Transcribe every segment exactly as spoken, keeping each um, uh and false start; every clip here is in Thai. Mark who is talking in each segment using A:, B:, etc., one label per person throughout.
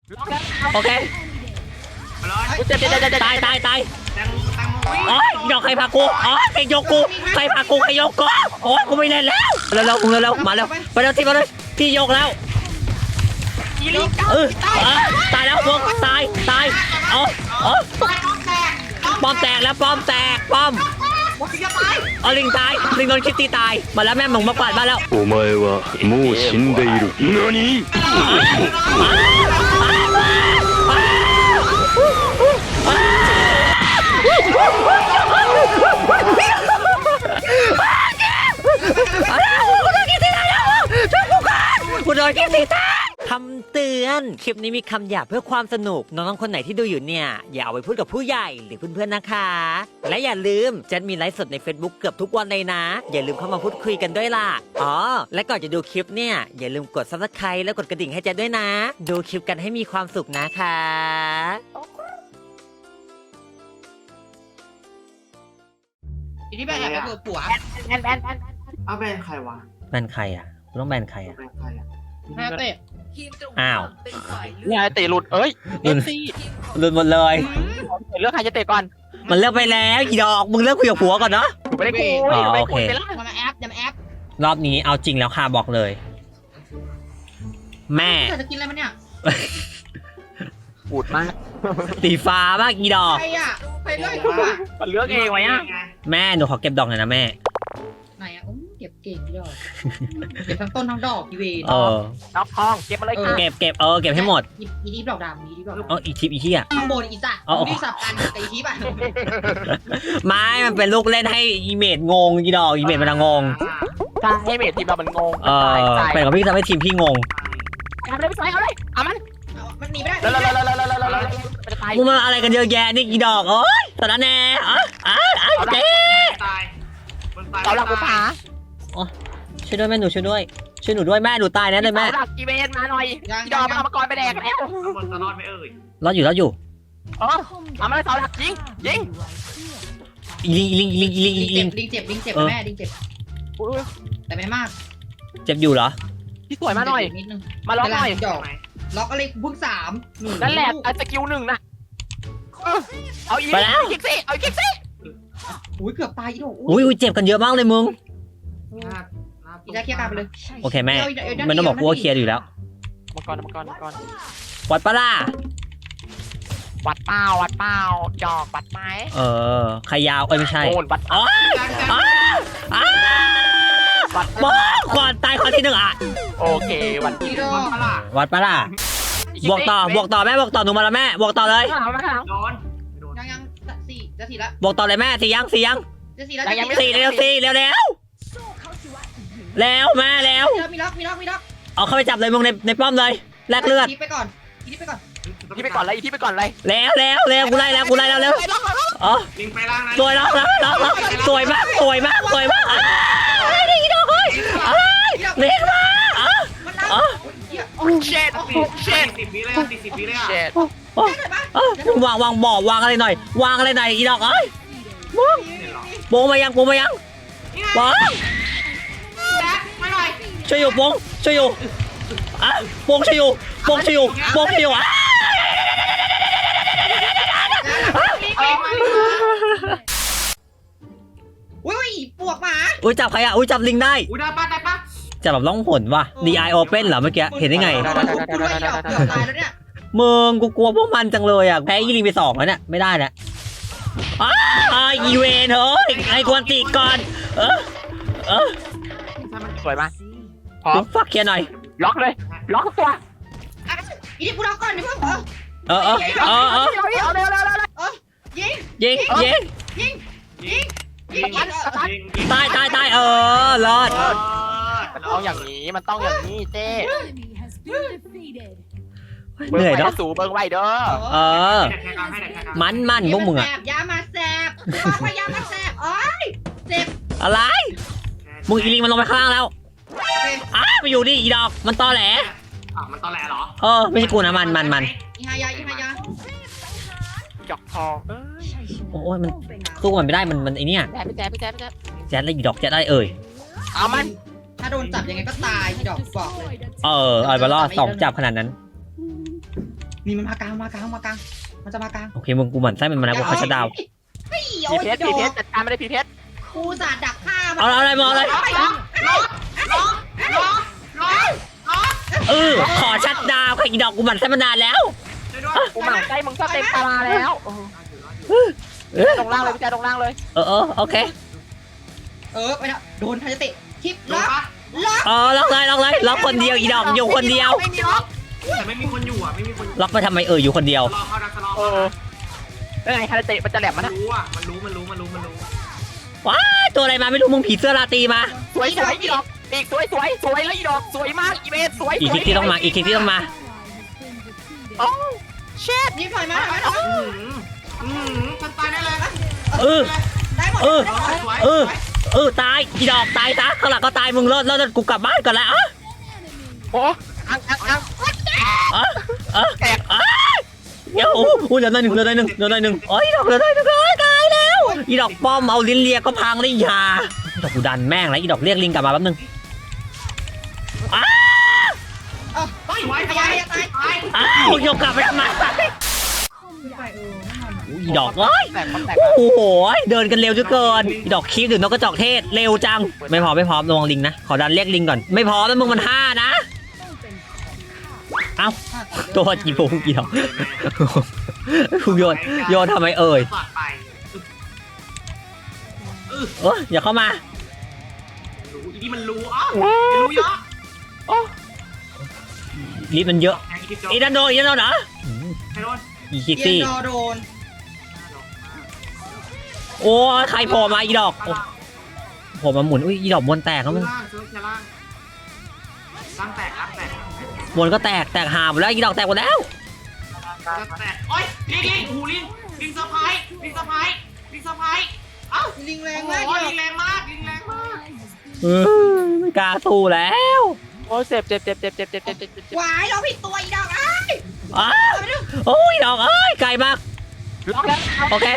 A: โอเค
B: กูเจ็บเจ็บเจ็บเจ็บ
A: ตายตายตาย
C: แตงโมแตงโมวิ่ง
A: โอ้ยยกใครพากูอ๋อใครยกกูใครพากูใครยกกูโอ้ยกูไม่เล่นแล้วเร็วเร็วมึงเร็วเร็วมาเร็วไปเร็วที่มาเลยที่ยกแล้วเออตายแล้วพวกตายตายเอ๋ออ๋อป้อมแตกแล้วป้อมแตกป้อมเอาลิงตายลิงโดนคิตตี้ตายมาแล้วแม่หมงมากวาดบ้านแล้ว
D: お前はもう死んでいる。何？
A: กูโดนคิตตี้ตายคำเตือนคลิปนี้มีคำหยาบเพื่อความสนุกน้องๆคนไหนที่ดูอยู่เนี่ยอย่าเอาไปพูดกับผู้ใหญ่หรือเพื่อนๆนะคะและอย่าลืมจะมีไลฟ์สดใน Facebook เกือบทุกวันเลยนะอย่าลืมเข้ามาพูดคุยกันด้วยล่ะอ๋อและก่อนจะดูคลิปเนี่ยอย่าลืมกด ซับสไครบ์ และกดกระดิ่งให้แจ๊ดด้วยนะดูคลิปกันให้มีความสุขนะคะ
B: อีนี่แบนแอบไปเปิดผัวแบนแบนแบน
C: เอาแบนใครวะ
A: แบนใครอ่ะต้องแบนใครอ่ะ
C: แบนใครอ่ะ
B: แอบเตะ
A: อ้าว
E: เนี่ยเตะหลุดเอ้ยเอ็นซี
A: หลุดหมดเลย
E: เลือกใครจะเตะก่อน
A: มันเลิกไปแล้วอีดอกมึงเลิกคุยกับผัวก่อนเนาะ
E: กูไม่ได้คุย
A: อ๋อ
E: ไม่
A: โอเค
E: คุยไปละ
B: อย่ามาแอปอย่ามาแอป
A: รอบนี้เอาจริงแล้วค่ะบอกเลย แม่
B: เธอจะกินอะไรมันเนี่ย
E: ปูดมาก
A: สีฟ้ามากอีดอก
B: ใครอ่ะใครเลือกกูอ่ะ
E: มันเลือกเองไหมอ่ะ
A: แม่หนูขอเก็บดอกหน่อยนะแม่
B: ไหนอ่ะโอ้เก็บเก่งยอดเก็บทั้งต้นทั้งดอกพี่เว
A: เออ
E: น้องทองเก็บมาเลยค่ะ
A: เก็บเก็บเออเก็บให้หมด
B: อีอีดีดอกดำอีดีดอกดำ
A: เอออีทิปอีที่อ่ะ
B: ข้างบนอีสัตว์
A: เอาเอา
B: นี่สับกันกับอีทิปอ่ะ
A: ไม้มันเป็นลูกเล่นให้อีเมดงงอีดอกอีเมดมันงง
E: ใช่ให้เมททีมเรามันงง
A: เออเป็นกับพี่ทำให้ทีมพี่งง
E: เอาเลยไปใส่เอาเลยเอามัน
B: มันหนีไม่ได้
E: แล้วแล้วแล้วแล้วแล้วแล้วแล้วมันจะตาย
A: มึงมาอะไรกันเยอะแยะนี่อีดอกโอ๊ยสารแหน่อ๋ออ๋ออ๋อเจ๊
C: ตายมันตาย
E: เสาหลักกูผา
A: ช่วยด้วยแม่หนูช่วยด้วยช่วยหนูด้วยแม่หนูตายแน่เลยแม่
E: เสาหลักกีเวนมาหน่อยดอมเอามากรไปแดกแล้ว
C: ข้างบนจะรอดไหมเอ่ย
A: รอดอยู่รอดอยู่
E: เออเอามาเลยเสาหลักยิงยิง
A: อีลิงอีลิงอีลิงอีลิงอีลิง
B: ลิงเจ็บลิงเจ็บแม่ลิงเจ็บแต่ไม่มาก
A: เจ็บอยู่เหรอ
E: พี่สวยมาหน่อย
B: นิดนึง
E: มาล็อกหน่อย
B: ดอกล็อกอะไรเพิ่งสาม
E: นั่นแหละสกิลหนึ่งนะเอาอีกคิกซี่เอาอีกคิกซี่
B: อุ้ยเกือบตายอีดอก
A: อุ้ยอุ้ยเจ็บกันเยอะมากเลยมึง
B: อีได้เคลียร์การไปเลย
A: โอเคแม่มันต้องบอกกูว่าเคลียร์อยู่แล้ว
E: มังกรมังกรมังกร
A: วัดปะล่ะ
E: วัดเป้าวัดเป้าจอกวัดไม้
A: เออใครยาวเอ้ยไม่ใช่
E: โอนวัด
A: อ๋ออ๋ออ๋อบอกก่อนตายคนที่หนึ่งอ่ะ
E: โอเควัด
B: อีดอก
A: วัดปะล่ะบวกต่อบวกต่อแม่บวกต่อหนูมาแล้วแม่บวกต่อเลย
E: เอาไม่เอา
C: โดนโดน
B: ยังยังสี่จะสี่ละ
A: บวกต่อเลยแม่สี่ยังสี่ยัง
B: จะสี่ละ
A: สี่เร็วสี่เร็วเร็วแล้วแม่แล้ว
B: มีล็อกมีล็อกมีล็อก
A: เอาเข้าไปจับเลยมึงในในป้อมเลยแลกเลือด
B: ทีไปก่อนทีไปก่อน
E: ที่ไปก่อนเลยที่ไปก่อนเลย
A: แล้วแล้วแล้วกูไล่แล้วกูไล่แล้วเร็วอ๋อ
C: ลิงไปล่างนะ
A: สวยแล้วแล้วแล้วสวยมากสวยมากสวยมากอะไรดีดอกเฮ้ยอะไรเล็กมากอ๋อ
B: มันรัก
A: อ๋อ
E: เช็ด
C: เช่นสิบวิเลยอ่ะติดสิบวิเลยอ่ะ
E: เช็ด
A: อ๋อวางวางบ่อวางอะไรหน่อยวางอะไรหน่อยอีดอกเอ้ยมึงโปงมายังโปงมายังวาง
B: แบ๊กมาหน่อย
A: ช่วยอยู่โปงช่วยอยู่อ่ะโปงช่วยอยู่โปงช่วยอยู่โปงช่วยอยู่อ่ะ
B: อุ้ยปวกหมา
A: อุ้ยจับใครอ่ะอุ้ยจับลิงได้
C: อุ้ยได้ป้าได้ป้า
A: จับแบบล่องหนว่ะ ดี ไอ Open เหรอเมื่อกี้เห็นได้ไง
B: กูด้วยดอกเกือบตายแล้วเนี่ย
A: มึงกูกลัวพวกมันจังเลยอ่ะแพ้ยีลิงไปสองแล้วเนี่ยไม่ได้แล้วอ้าวอีเวนเฮ้ยไอ้กวนตีก่อนเออเออ
E: สวยมากพร้อม
A: ฟักเคลียร์หน่อย
E: ล็อกเลยล็อกตัว
B: อีนี่กูล็อกก่อนนี่เพิ่งเออ
A: เออเออเออเออ
E: เอาเร็วเร็วเร็วเร็ว
B: ยิง
A: ยิงยิง
B: ยิงยิงยิง
C: ยิงยิง
A: ตายตายตายเออรอด
C: เออ
E: มันต้องอย่างนี้มันต้องอย่างนี้เจ๊
A: เหนื่อยเนาะ
E: สูเบิ้งไว้เด้อ
A: เออ
C: ให้แข่งกันให้แข่งกัน
A: มันมันพวกมึงอะ
B: ยามาแสบบอกว่ายามาแสบโอ้ยเจ็บ
A: อะไรมึงอีลิงมันลงไปข้างล่างแล้วอ้าไปอยู่ดิอีดอกมันตอแหล
C: อ่ะมันตอแหลเหรอ
A: เออไม่ใช่กูนะมันมันมัน
B: อีฮายาอีฮายา
E: จอกทองเอ้ย
A: โอ้ยมันสู้มันไม่ได้มันมันไอเนี้ย
E: แจ๊บแจ๊บแจ๊บแจ๊บ
A: แจ๊ดเลยอีดอกแจ๊ดได้เอ่ย
E: เอามัน
B: ถ้าโดนจับยังไงก็ตายอีดอกบอกเลย
A: เออเอาไปรอดสองจับขนาดนั้น
B: นี่มันมากลางมากลางมากลางมันจะมากลาง
A: โอเคมึงกูหมั่นไส้มันมาแล้วกูเขาจะดาว
B: เฮ้ย
E: พี
B: โอ้ย
E: เพชร
B: ด
E: พี
B: อก
E: เพชรจัดการไม่ได้พีเพชร
B: กูสาดดักฆ่ามัน
A: เอาอะไรมาเอาอะไร
C: ล็อกล็อกล็อกล็อกล็อกล็อกล็อก
A: เออขอชัดดาวค่ะอีดอกกูหมั่นไส้มานานแล้ว
C: ช่วยด้วย
E: กูหมั่นไส้มึงก็เต็มตาราแล้วลงล่างเลยพี่แจ๊ลงล่างเลย
A: เออเออโอเค
B: เออไปนะโดนทายเตะคลิป
C: ล็
B: ล็
C: อ
B: อก ก
C: ปะ
B: ล็อก
A: อ๋อล็อกเลยล็อกเลยล็อกคนเดียวอีดอกอยู่คนเดียว
B: ไม่มีล็อก
C: แต่ไม่มีคนอยู่อ่ะไม่มีคนอยู่
A: ล็อกไปทำไมเอออยู่คนเดียว
C: รอเข้าดักสลอ
E: เออแล้วไงคาราเตะมันจะแหลม
C: มั
E: มัน นนะ
C: รู้อ่ะมันรู้มันรู้มันรู้มันรู้
A: ว้าตัวอะไรมาไม่รู้มึงผีเสื้อราตรีมา
E: สวยสวยอีดอกอีกสวยสวยสวยแล้วอีดอกสวยมากอีเมสสวย
A: อีกคลิกที่ต้องมาอีกคลิกที่ต้องมา
E: โอ้เช็ด
B: นี่ถอยมาถอยมา
C: อืมอืมฉันตายได้เลย
A: เออ
B: ได้หมด
A: เออ
C: สวย
A: เออเออตายอีดอกตายซะข้างหลังก็ตายมึงรอดรอดกูกลับบ้านก่อนแล้วอ่ะ
E: โอ้อังอังอัง
A: อ่ะอ่ะ
E: แตก
A: อ่ะเดี๋ยวโอ้โหเหลือได้หนึ่งเหลือได้หนึ่งเหลือได้หนึ่งโอ้ยอีดอกเหลือได้หนึ่งเลยตายแล้วอีดอกป้อมเอาลิ้นเลียก็พังเลยอยาอีดอกกูดันแม่งแล้วอีดอกเรียกลิงกลับมาแป๊บนึงอ้า
B: เออ
C: ตายไว้
B: พ
C: ตาย
B: ยายามตาย
C: ตาย
A: อ้าวโยกกลับไปทำไม
B: ไปเออไม่ทัน
A: อีดอกเอ้ย
E: แตกแตก
A: โอ้โหเดินกันเร็วจนเกินอีดอกคีบหรือนกกระจอกเทศเร็วจังไม่พอไม่พร้อมระวังลิงนะขอดันเรียกลิงก่อนไม่พร้อมแล้วมึงมันห้านะเอ้าตัวจีบงกี่ดอกคุณโยนโยนทำไมเอ่ย
C: สอดไป
A: เอออย่าเข้ามา
C: รู้อีนี่มันรู้อ๋อรู้เยอะ
A: ลิฟต์มันเยอะ
C: แทงอีทิพย์
A: อีดันโดอีดันโดเหรอ
C: ใครโดน
A: อีคิก
B: เย็น
A: ซี่
B: รอโดน
A: โอ้ยใครโผล่มาอีดอกโผล่มาหมุนอุ้ยอีดอกมวนแตกแล้วมึง
C: ล่างซื้อแค่ล่างล่างแตกล่างแตก
A: มวนก็แตกแตกหาหมดแล้วอีดอกแตกหมดแล้ว
C: ล่างแตกโอ้ยลิงลิงหูลิงลิงเซอร์ไพรส์ลิงเซอร์ไพรส์ลิงเซอร์ไพรส์เอ้า
B: ลิงแร
C: โอ้
B: ง
C: โห
B: มาก
C: ลิงแรงมากลิงแรงมาก
A: เออไม่กล้าสู้แล้ว
E: โอ้เจ็บเจ็บเจ็บเจ็บเจ็บเจ็บเจ็บเจ็บเจ็บ
B: หวายเราผิดตัวอีดอกอ้าย
A: อ้าวโอ้ยดอกเอ้ยไกลมาก
E: ล็อกแล้ว
A: โอเค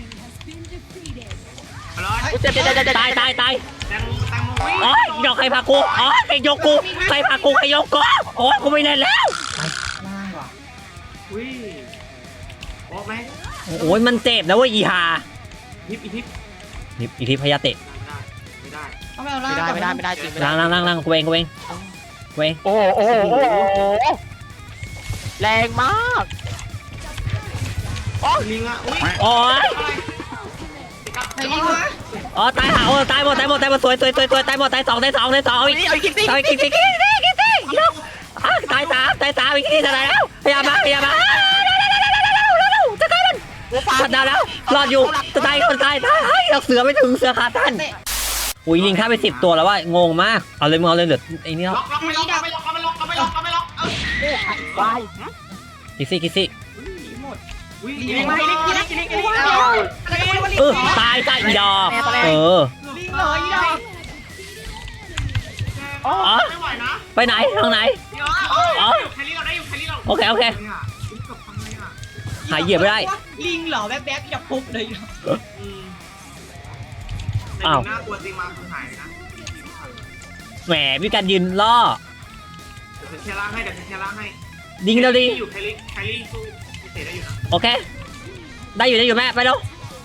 C: เอาเลย
E: เจ็บเจ็บเจ็บเจ็บ
A: ตายตายตาย
C: แตงแตงโมวิ่ง
A: โอ้ยดอกใครพากูอ๋อใครยกกูใครพากูใครยกกูโอ้ยกูไม่เล่นแล้ว
B: ล่างว่ะ
C: อุ้ยโอ้ไหม
A: โอ้ยมันเจ็บนะเว้ยอีหา
C: ทิพอีทิพ
A: นี่อีทีพยาเตะ
C: ไม่ได้
B: เอาไปเอาล่าง
E: ไม่ได้ไม่ได้ไม่ได้จริงไม่ได้
A: ล้างล้างล้างล้างกูเองกูเองกูเอง
E: โอ้โหโอ้โหโอ้โหแรงมาก
C: โอ้ลิงอ่ะอุ้ย
A: โอ้ย
C: อะไร
B: ไอ้ลิงวะ
A: อ๋อตายหาโอ้ตายหมดตายหมดตายหมดสวยสวยสวยสวยตายหมดตายสองตายสองตายสองอีก
E: นี่เอาอีกที
A: ตายกี่กี่กี่กี่กี่กี่ยกอ่ะตายสามตายสามอีกทีเท่าไหร่แล้วพยายามมาพยายามมาจะใกล้มัน
E: หัวปลา
A: ตัดดาวแล้วรอดอยู่จะตายคนตายตายเฮ้ยเราเสือไม่ถึงเสือขาตัน
B: เตะ
A: อุ้ยลิงฆ่าไปสิบตัวแล้วว่างงมากเอาเลยมึงเอาเลยเหลือไอ้นี่แล้ว
C: ล็อกล็อกไม่ล็อกไม่ล็อกไม่ล็อกไม่ล็อกไม่ล็อกเออ
E: วาย
A: คิซี่คิซี่
B: หมด
C: อุ้ย
E: ลิงมาลิงลิงลิงลิงลิง
B: อะไรกันวะลิง
A: เออตายตายอีดอกเออ
B: ลิงเหรออีดอก
C: อ๋อไม่ไหวนะ
A: ไปไหนทางไหน
C: เดี๋ยวอ๋อแคลรี่เราได้อยู่แคลรี่เรา
A: โอเคโอเค หาเหยียบไม่ได้
B: ลิงเหรอแบ๊บๆอีดอกปุ๊บเลยอีดอก
C: อืมแต่ดูน่ากลัวจริงมาคือหายนะ
A: แหมมีการยืนล่อ
C: เดี๋ยวฉันแค่ล่างให้เดี๋ยวฉันแค่ล่างให้
A: ยิงเร็วดิ
C: อยู่แคลรี่แคลรี่สู้เตะได้อยู่นะ
A: โอเค ได้อยู่ได้อยู่แม่ไปแล้ว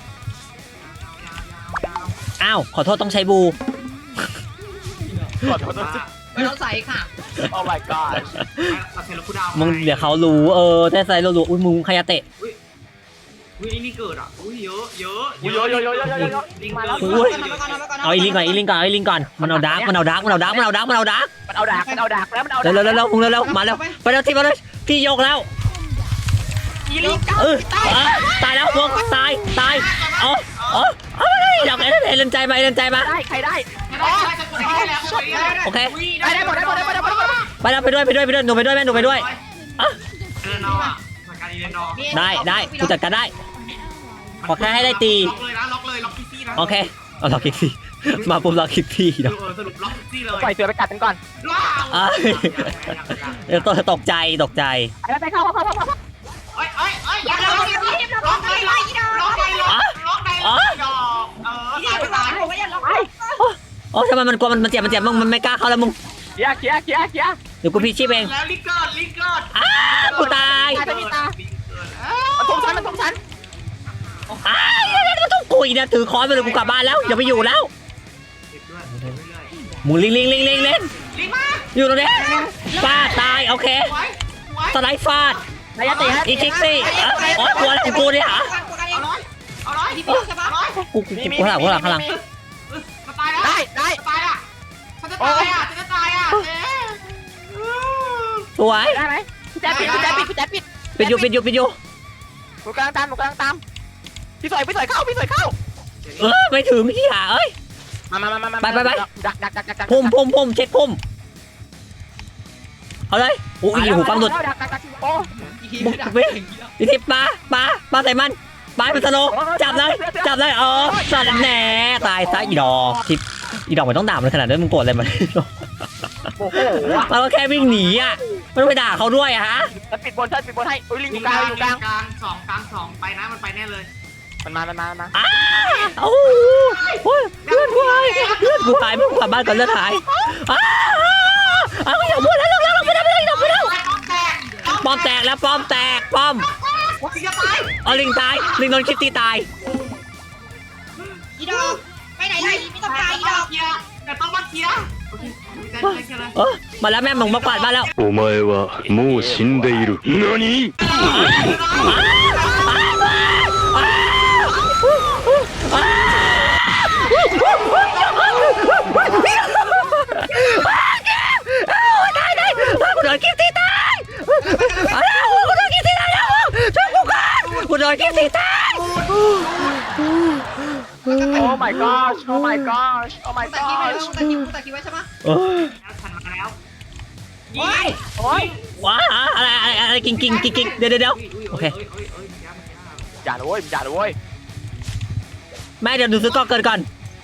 A: อ้าวขอโทษต้องใช้บู
E: กดกด
B: ไม่ต้องใส่ค่ะ
E: โอ้ my god
C: เราเซลล์คูดาว
A: มึงเดี๋ยวเขารู้เออแต่ใส่เรารู้อุ้ยมึงขยะเตะ
C: อุ้ยอุ้ยนี่เกิดอ่ะอุ้ยเยอะเยอะ
E: โยโยโยโยโยโย
C: ลิง
E: มา
C: เกิ
E: แล้ว
C: ด
A: เอาอีลิงก่อนอีลิงก่อนเอาอีลิงก่อนมันเอาดาร์กมันเอาดาร์กมันเอาดาร์กมันเอาดาร์กมันเอาดาร์ก
E: มันเอาดักมันเอาดักแล้วมันเอา
A: เร็วเร็วเร็วเร็วมึงเร็วเร็วมาเร็วไปเร็วที่มาเลยพี่ยกแล้ว
E: อีลิง
A: เออตายแล้วพวกตายตายเอาเอาเอาไปเลยดอกเอ็นเอ็นใจมาเอ็นใจมา
E: ได้ใครได้
C: ได้ได้จะกดได้แล้ว
A: โอเค
E: ได้ได้หมดได้หมดได้หมดได้หมดได้หมด
A: ไปแล้วไปด้วยไปด้วยไปด้วยหนูไปด้วยแม่หนูไปด้วยอ่ะ
C: เออนออ่ะจัดการอีเลนดอ
A: ได้ได้กูจัดการได้ ขอแค่ให้ได้ตี
C: ล็อกเลยนะล็อกเลยล็อกคิซี่นะ
A: โอเคเอาล็อกคิกซี่มาปุ๊บล็อกคิกซี่
C: เอ
A: เนาะ
C: อสรุปล็อกคิซี่เลย
E: ปล่อยเสือไปกัดกันก่อน
C: ว้าว
A: อ่ะเดี๋ยวตกตกใจตกใจ
E: ไปไปเข้าเข้าเข้าเข้า
C: เอ้ยเอ้ยเอ้ยอย่าล็อกล็อกเลยล็อกเลยล็อกล็อกเลยล็อกดอกเออ
B: อีดอกตายผมก็ยังล็อกไป
A: โอ้ทำไมมันกลัวมันมันเจ็บมันเจ็บมึงมันไม่กล้าเข้าแล้วมึง
E: เคลียร์เคลียร์เคลียร์เคลียร์
A: เดี๋ยวกูพี่ชีพเอง
C: แล้วลิกเกิร์ดลิกเกิร์ด
A: อ้ากูตาย
E: ตายพี่ตา
C: ลิงเกิดเอ้ย
E: มันทุบฉันมันทุบฉัน
A: อ้าวเดี๋ยวๆๆต้องกุยเนี่ยถือค้อนไปเลยกูกลับบ้านแล้วอย่าไปอยู่แล้ว
C: เก็บด้วยเก็บเรื่อย
A: มึงลิงลิงลิงลิงลิง
C: ๆลิงมา
A: อยู่ตรงนี้ฟาดตายโอเค
C: ไว้ไว้
A: สไลด์ฟาด
E: นายติฮะ
A: อีคิกซี่อ๋อกลัวอะไรของกูเนี่ยฮะ
C: เอาร้อยเอาร้อยที่พี่ใช่ปะร้อย
A: กูกูกูข้างหลังข้างหลังข้างหลัง
C: มาตายแล้ว
E: ได้ได้
C: ตายอ่ะฉันจะตายอ่ะฉันจะตายอ่ะเจ๊
A: สวย
E: ได้ไหมพี่แจ๊ปิดพี่แจ๊ปิดพี่แจ๊ปิด
A: ปิดอยู่ปิดอยู่ปิดอยู่
E: หนูกำลังตามหนูกำลังตามพี่สวยพี่สวยเข้าพี่สวยเข้า
A: เออไม่ถึงที่หาเอ้ย
E: มามามามา
A: ไปไปไป
E: ดักดักดักดักดัก
A: พุ่มพุ่มพุ่มเช็คพุ่มเอาเลยโอ้ยหูฟังดุด
E: ดักดักดักโอ้
A: บุกไปอีทิปปลาปลาปลาใส่มันปลาเป็นสโลว์จับเลยจับเลยเออสัตว์แหน่ตายซะอีดอกทิปอีดอกมันต้องด่ามันขนาดนั้นมึงโกรธอะไรมัน
E: โอ้โห
A: เราก็แค่วิ่งหนีอ่ะไม่ต้องไปด่าเขาด้วยอะฮะ
E: แล้วปิดบนฉันปิดบนให้อุ้ยลิงอ
C: ลิ
E: ยู่
C: ง
E: ก
C: ก
E: ลา
C: ลาง ง
E: อยู่
C: ลิ
E: กลาง
C: งกลางสองกลางสองไปนะมันไปแน่เลย
E: มันมามันมามันมา
A: อ้าโอ้โหเลือดกูหายเลือดกูหายไม่กลับบ้านก่อนเลือดหายอ้าอ้าวอย่าพูดแล้วเราเราไม่ได้ไม่ได้เราไม่ได้
C: ป้อมแตก
A: ป้อมแตกแล้วป้อมแตกป้อม
C: ลิงจะตาย
A: เอาลิงตายลิงโดนคิตตี้ตาย
B: อีดอกไปไหนเลยไม่ต้องไปอีดอก
C: เคลียร์แต่ต้องมาเคลียร์โอเคเคลียร์เคลียร์เลย
A: เออมาแล้วแม่มึงมากวาดบ้านแล้ว
D: お前はもう死んでいる何
A: ตายเลยกูโดนคิตตี้ตายอ้าวกูโดนคิตตี้ตายแล้วช่วยกูก่อนกูโดนคิตตี้ตาย
E: โอ้ my gosh โอ้ my gosh โอ้ my
B: ตัดคิวไว้
E: gosh
B: ตัดคิวตัดคิวไว้ใช่ปะ
A: เออ
C: แล้วฉันมาแล้ว
B: โอ้ย
E: โอ้ย
A: ว้าอะไรอะไรอะไรกิงกิงกิงกิงเดี๋ยวเดี๋ยวเดี๋ยวโอเค
E: อย่าเลยเว้ยอย่าเลยเว้ย
A: แม่เดี๋ยวดูซื้อกล้องเกินก่อน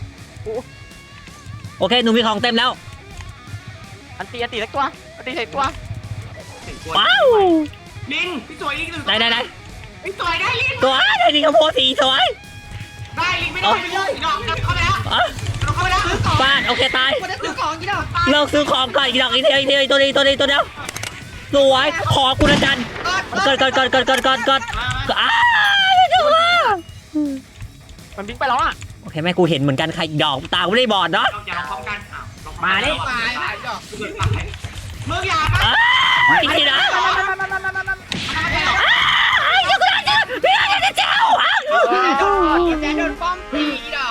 A: โอเคหนูมีของเต็มแล้ว
E: อันตีอันตีเล็กตัวอันตีใส่ตัว
A: ว้าว
C: ลิงพี่สวยลิงหนึ่ง
A: ไหนไหนไหน
C: พี่สวยได้ลิง
A: ตัวได้ดีกับโพสีสวย
C: ได้ลิงไม่ได้ไม่ได้ดอกเข้าไปแล้ว
A: อ่ะ
C: เข้าไปแล้ว
A: ฟาดโอเคตาย
B: กูได้ซื้อของอีดอก
A: เลิกซื้อของก่อนอีกดอกอีกเดียวอีกเดียวอีกตัวนี้ตัวนี้ตัวเดียวสวยขอคุณอาจารย์เกิดเกิดเกิดเกิดเกิดเกิดเกิดอ้าวจังวะ
E: มันบิงไปแล้วอ่ะ
A: โอเคแม่กูเห็นเหมือนกันใครอีกดอกตาไม่ได้บอดเนาะ
C: เราอย่าลองพร้อมกันอ้าว
E: มาดิ
B: ตายตายอีดอก
C: มึงอย่านะ
A: อ้าวอีกทีนะอ้าวยังกูได้เจอพี่อาจจะเจ้าอ้าว
B: แกโดนป้อมตีอีดอก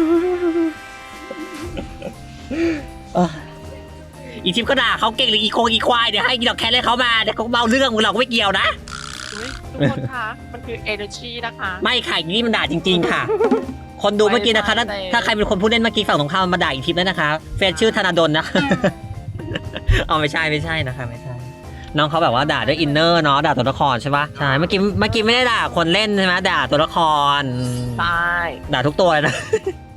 A: อีทิปก็ด่าเขาเก่งหรืออีโคงอีควายเดี๋ยวให้อีดอกแคทเลยเขามาเดี๋ยวเขาเมาเรื่องมึงเราก็ไม่เกี่ยวนะ
E: ทุกคนคะมันคือ energy นะคะ
A: ไม่ค่ะนี่มันด่าจริง ๆ ค่ะ คนดูเมื่อกี้นะคะถ้าถ้าใครเป็นคนพูดเล่นเมื่อกี้ฝั่งตรงข้ามมาด่าอีทิปแล้วนะคะแฟนชื่อธนาดลนะ เอาไม่ใช่ไม่ใช่นะคะไม่ใช่น้องเขาแบบว่าด่าด้วยอินเนอร์เนาะด่าตัวละครใช่ปะใช่เมื่อกี้เมื่อกี้ไม่ได้ด่าคนเล่นใช่ไหมด่าตัวละคร
E: ใช่
A: ด่าทุกตัวเลยนะ